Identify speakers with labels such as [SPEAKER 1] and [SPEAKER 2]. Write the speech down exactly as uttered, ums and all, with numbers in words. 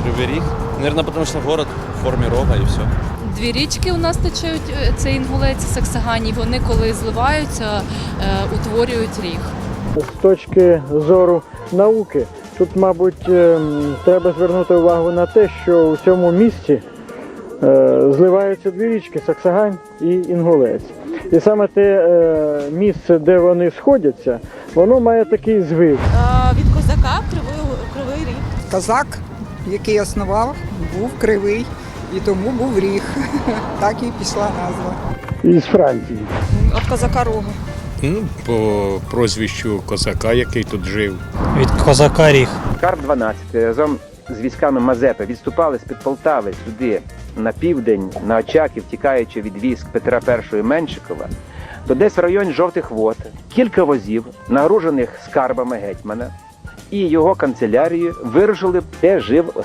[SPEAKER 1] Кривий Ріг. Наверное, потому что город в форме рога и все.
[SPEAKER 2] Дві річки у нас течуть, це Інгулець і Саксаганій. Вони, коли зливаються, утворюють ріг.
[SPEAKER 3] З точки зору науки, тут, мабуть, треба звернути увагу на те, що у цьому місці зливаються дві річки – Саксагань і Інгулець. І саме те місце, де вони сходяться, воно має такий звик.
[SPEAKER 4] Від козака кривий, кривий ріг.
[SPEAKER 5] Козак, який основав, був кривий, і тому був ріг. Так і пішла назва.
[SPEAKER 3] Із Франції.
[SPEAKER 4] Від козака рога.
[SPEAKER 6] Ну, по прозвищу козака, який тут жив.
[SPEAKER 7] Від козака ріг.
[SPEAKER 8] Карп дванадцять разом з військами Мазепи відступали з-під Полтави сюди, на південь, на Очаків, тікаючи від військ Петра І Меншикова, то десь в районі Жовтих Вод кілька возів, нагружених скарбами гетьмана, і його канцелярією вирушили, де жив